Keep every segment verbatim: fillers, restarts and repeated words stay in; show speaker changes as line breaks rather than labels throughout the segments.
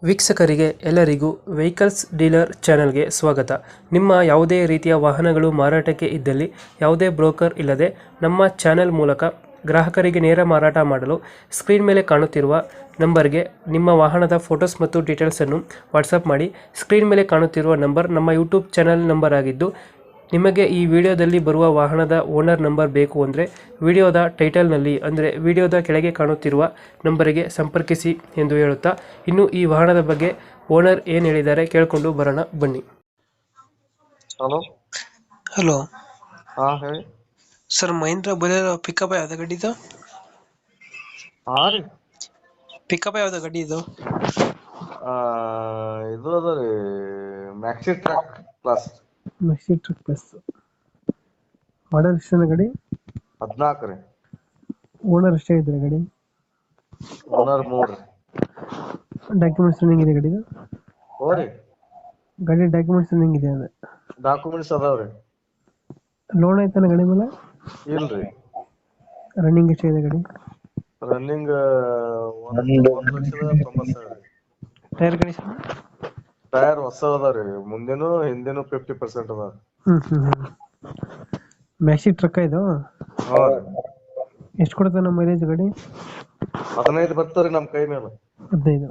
ವೀಕ್ಷಕರಿಗೆ ಎಲ್ಲರಿಗೂ vehicles dealer ಚಾನೆಲ್ಗೆ ಸ್ವಾಗತ. ನಿಮ್ಮ ಯಾವುದೇ ರೀತಿಯ ವಾಹನಗಳು ಮಾರಾಟಕ್ಕೆ ಇದ್ದಲ್ಲಿ ಯಾವುದೇ ಬ್ರೋಕರ್ ಇಲ್ಲದೆ ನಮ್ಮ ಚಾನೆಲ್ ಮೂಲಕ ಗ್ರಾಹಕರಿಗೆ ನೇರ ಮಾರಾಟ ಮಾಡಲು ಸ್ಕ್ರೀನ್ ಮೇಲೆ ಕಾಣುತ್ತಿರುವ ನಂಬರ್ಗೆ ನಿಮ್ಮ ವಾಹನದ ಫೋಟೋಸ್ ಮತ್ತು ಡೀಟೇಲ್ಸನ್ನು ವಾಟ್ಸಪ್ ಮಾಡಿ. ಸ್ಕ್ರೀನ್ ಮೇಲೆ ಕಾಣುತ್ತಿರುವ ನಂಬರ್ ನಮ್ಮ ಯೂಟ್ಯೂಬ್ ಚಾನೆಲ್ ನಂಬರ್ ಆಗಿದ್ದು, ನಿಮಗೆ ಈ ವಿಡಿಯೋದಲ್ಲಿ ಬರುವ ವಾಹನದ ಓನರ್ ನಂಬರ್ ಬೇಕು ಅಂದರೆ ವಿಡಿಯೋದ ಟೈಟಲ್ನಲ್ಲಿ ಅಂದರೆ ವಿಡಿಯೋದ ಕೆಳಗೆ ಕಾಣುತ್ತಿರುವ ನಂಬರಿಗೆ ಸಂಪರ್ಕಿಸಿ ಎಂದು ಹೇಳುತ್ತಾ, ಇನ್ನು ಈ ವಾಹನದ ಬಗ್ಗೆ ಓನರ್ ಏನು ಹೇಳಿದ್ದಾರೆ ಕೇಳಿಕೊಂಡು ಬರೋಣ ಬನ್ನಿ.
ಹಲೋ
ಹಲೋ
ಹಾ ಹೇಳಿ
ಸರ್, ಮಹೇಂದ್ರ ಬೊಲೆರೋ ಪಿಕಪ್ ಯಾವ್ದು ಗಾಡಿ ಇದು?
ಹಾ ರೀ
ಪಿಕಪ್ ಯಾವ್ದು ಗಾಡಿ ಇದು?
ಆ, ಇದು ಅದ ರೀ maxi truck plus
maxi truck plus. Model ಎಷ್ಟು ಗಾಡಿ?
ಹದಿನಾಲ್ಕು ರೀ.
ಓನರ್ ಎಷ್ಟೇ ಇದ್ದಾರೆ ಗಾಡಿ?
ಓನರ್ ಮೂರು ರೀ.
ಡಾಕ್ಯುಮೆಂಟ್ಸ್ ರನ್ನಿಂಗ್ ಇದೆ ಗಾಡಿದು?
ಹೋ ರೀ,
ಗಾಡಿ ಡಾಕ್ಯುಮೆಂಟ್ಸ್ ರನ್ನಿಂಗ್ ಇದೆ ಅಂದ್ರೆ
ಡಾಕ್ಯುಮೆಂಟ್ಸ್ ಅದಾವ ರೀ.
ಲೋನ್ ಆಯ್ತಾನ ಗಾಡಿ ಮೇಲೆ?
ಇಲ್ರಿ,
ರನ್ನಿಂಗ್ ಎಷ್ಟಿದೆ ಗಾಡಿ?
ರನ್ನಿಂಗ್ ಒಂದು ಒಂದು ಲಕ್ಷದ ತೊಂಬತ್ತು ಸಾವಿರ ರೀ.
Tyre condition?
ಟೈರ್ ಹೊಸ ಅದಾವ ರೀ, ಮುಂದಿನ ಹಿಂದಿನ ಫಿಫ್ಟಿ ಪರ್ಸೆಂಟ್ ಅದಾವ.
ಹ್ಮ್ ಹ್ಮ್ ಹ್ಮ್ ಮ್ಯಾಕ್ಸಿ ಟ್ರಕ್ ಇದು?
ಹಾ ರೀ,
ಎಷ್ಟು ಕೊಡುತ್ತೆ ನಮ್ಮ ಮೈಲೇಜ್ ಗಾಡಿ?
ಹದಿನೈದು ಬರ್ತಾವ್ರಿ ನಮ್ ಕೈ ಮೇಲೆ.
ಹದಿನೈದು.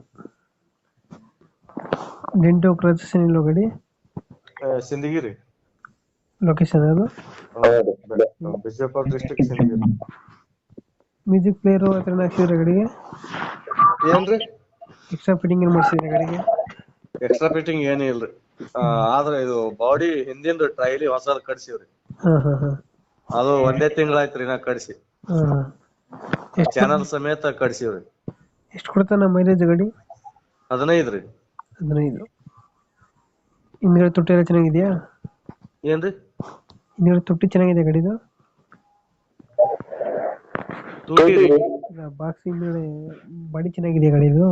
ಡೆಂಟೋ ಕ್ರಚಸ್ ಏನಿಲ್ಲ ಗಾಡಿ?
ಆ, ಸಿಂದಗಿರಿ.
ಲೊಕೇಶನ್ ಅದು?
ಬಿಜಾಪುರ ಡಿಸ್ಟ್ರಿಕ್ಟ್ ಸಿಂದಗಿರಿ.
ಮ್ಯೂಸಿಕ್ ಪ್ಲೇಯರು ಹತ್ರ ಹಾಕ್ಸಿದ್ರೆ ಗಾಡಿಗೆ?
ಏನ್ರಿ
ಎಕ್ಸ್ಟ್ರಾ ಫಿಟ್ಟಿಂಗ್ ಏನು ಮಾಡಿಸಿದ್ರೆ ಗಾಡಿಗೆ?
ಎಕ್ಸ್ಟ್ರಾ ಫಿಟ್ಟಿಂಗ್ ಏನ್ ಇಲ್ರಿ. ಆ, ಆದ್ರ ಇದು ಬಾಡಿ ಹಿಂದಿಂದ ಟ್ರೈಲಿ ಹೊಸದ್ ಕಡ್ಸಿವ್ರಿ.
ಹಾಂ ಹಾಂ ಹಾಂ
ಅದು ಒಂದೇ ತಿಂಗಳಾಯ್ತ್ರಿ ನಾ ಕಡ್ಸಿ.
ಹಾಂ ಹಾಂ ಎಷ್ಟು
ಚಾನಲ್ ಸಮೇತ ಕಡ್ಸಿವ್ರಿ.
ಎಷ್ಟು ಕೊಡುತ್ತೆ ನಮ್ಮ ಮೈಲೇಜ್ ಗಾಡಿ?
ಹದಿನೈದು ರೀ.
ಹದಿನೈದು. ಹಿಂದ್ಗಡೆ ತುಟ್ಟಿ ಎಲ್ಲ ಚೆನ್ನಾಗಿದೆಯಾ?
ಏನ್ರಿ
ಹಿಂದ್ಗಡೆ ತುಟ್ಟಿ ಚೆನ್ನಾಗಿದೆ ಗಾಡಿದು?
ತೂಟಿ ರೀ.
ಬಾಕ್ಸ್ ಹಿಂದ್ಗಡೆ ಬಾಡಿ ಚೆನ್ನಾಗಿದೆಯಾ ಗಾಡಿದು?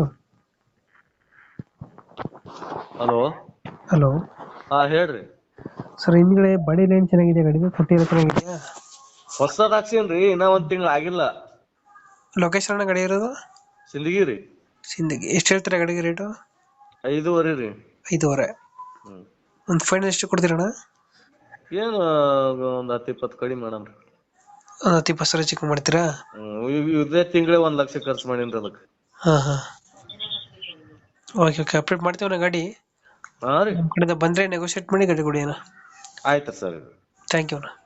ಹಲೋ
ಹಲೋ
ಹಾ ಹೇಳ್ರಿ.
ಸರ್, ಹಿಂದ್ಗಡೆ ಬಾಡಿ ಲೈನ್ ಚೆನ್ನಾಗಿದೆ ಗಾಡಿದು? ತುಟ್ಟಿ ಎಲ್ಲ ಚೆನ್ನಾಗಿದೆಯಾ?
ಹೊಸದ್ ಹಾಕ್ಸೇನ್ರಿ, ಇನ್ನ ಒಂದ್ ತಿಂಗಳ ಆಗಿಲ್ಲ.
ಲೊಕೇಶನ್ ಗಾಡಿ ಇರೋದು?
ಸಿಂದಗಿರಿ.
ಸಿಂದಗಿ. ಎಷ್ಟು ಹೇಳ್ತೀರಾ ಗಾಡಿಗೆ ರೇಟು?
ಐದೂವರೆ ರೀ.
ಐದೂವರೆ.
ಹ್ಮ್
ಒಂದು ಫೈನಲ್ ಎಷ್ಟು ಕೊಡ್ತೀರಣ್ಣ?
ಏನು ಒಂದ್ ಹತ್ತು ಇಪ್ಪತ್ತು ಕಡಿಮೆ ಮಾಡಮ್ರಿ.
ಒಂದು ಹತ್ತು ಇಪ್ಪತ್ತು ಸಾವಿರ ಚಿಕ್ಕ ಮಾಡ್ತೀರಾ?
ಹ್ಮ್ ಇವ್- ಇದೇ ತಿಂಗಳೇ ಒಂದ್ ಲಕ್ಷ ಖರ್ಚು ಮಾಡೀನ್ರಿ ಅದಕ್ಕೆ.
ಹಾಂ ಹಾಂ ಓಕೆ ಓಕೆ ಅಪ್ಡೇಟ್ ಮಾಡ್ತೀವಣ್ಣ ಗಾಡಿ.
ಹಾ ರೀ,
ನಮ್ಮ ಕಡೆಯಿಂದ ಬಂದರೆ ನೆಗೋಷಿಯೇಟ್ ಮಾಡಿ ಗಾಡಿ ಕೊಡಿ ಅಣ್ಣ.
ಆಯ್ತು ಸರ್.
ಥ್ಯಾಂಕ್ ಯು ಅಣ್ಣ.